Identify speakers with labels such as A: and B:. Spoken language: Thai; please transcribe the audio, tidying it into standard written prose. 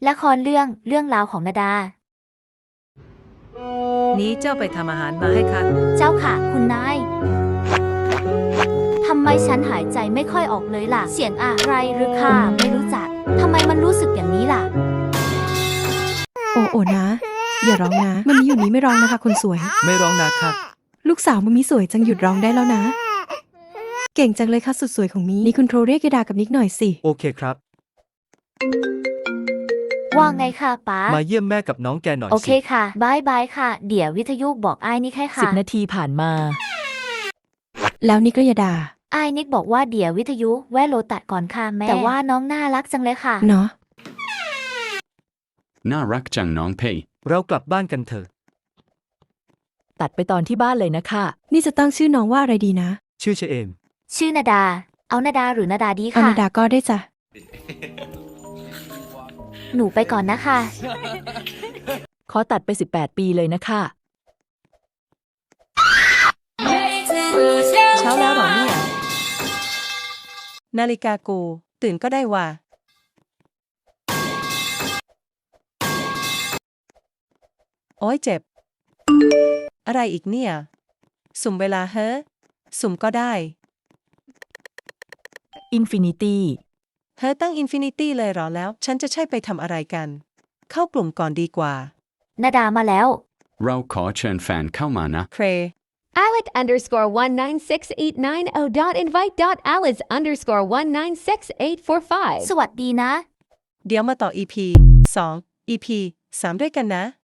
A: ละครเรื่องราวของนาดา
B: นี้เจ้าไปทำอาหารมาให้ข้า
A: เจ้าค่ะคุณนายทำไมฉันหายใจไม่ค่อยออกเลยล่ะ เสียงอะไรหรือค่ะไม่รู้จักทำไมมันรู้สึกอย่างนี้ล่ะ
C: โอ้นะ อย่าร้องนะมันมีอยู่นี้ไม่ร้องนะคะคนสวย
D: ไม่ร้องนะครับ
C: ลูกสาวมันมีสวยจังหยุดร้องได้แล้วนะ เก่งจังเลยค่ะสุดสวยของมีนี่คุณโทรเรียกยดากับนิกหน่อยสิ
D: โอเคครับ
A: ว่าไงค่ะป๊า
D: มาเยี่ยมแม่กับน้องแกหน่อย
A: โอเค
D: สิ
A: ค่ะบายบายค่ะ เดี๋ยววิทยุบอกไอ้นิกให้ค่ะ
E: 10 นาทีผ่านมา
C: แล้วนิกก็ยดา
A: ไอ้นิกบอกว่าเดี๋ยววิทยุแวะโลตัดก่อนค่ะแม่แต่ว่าน้องน่ารักจังเลยค่ะ
C: เนาะ
F: น่ารักจังน้องเพย
D: เรากลับบ้านกันเถอะ
E: ตัดไปตอนที่บ้านเลยนะคะ
C: นี่จะตั้งชื่อน้องว่าอะไรดีนะ
D: ชื่อเชเอม
A: ชื่อนาดา เอานาดาหรือนาดาดี
C: อา
A: ค่ะ
C: นาดาก็ได้จ้ะ
A: หนูไปก่อนนะคะ
E: ขอตัดไป 18 ปีเลยนะคะ
B: เช้าแล้วเหรอเนี่ย นาฬิกากูตื่นก็ได้ว่า โอ้ยเจ็บ อะไรอีกเนี่ย สุ่มเวลาเฮ้อสุ่มก็ได้
E: Infinity
B: เฮ้อตั้งอินฟินิตี้เลยเหรอแล้ว ฉันจะใช่ไปทำอะไรกัน เข้ากลุ่มก่อนดีกว่า
A: นาดามาแล้ว
F: เราขอเชิญแฟนเข้ามานะ
B: เคร
G: Alec_19689.invite.alice_1968445
A: สวัสดีนะ
B: เดี๋ยวมาต่อ EP 2 EP 3 ด้วยกันนะ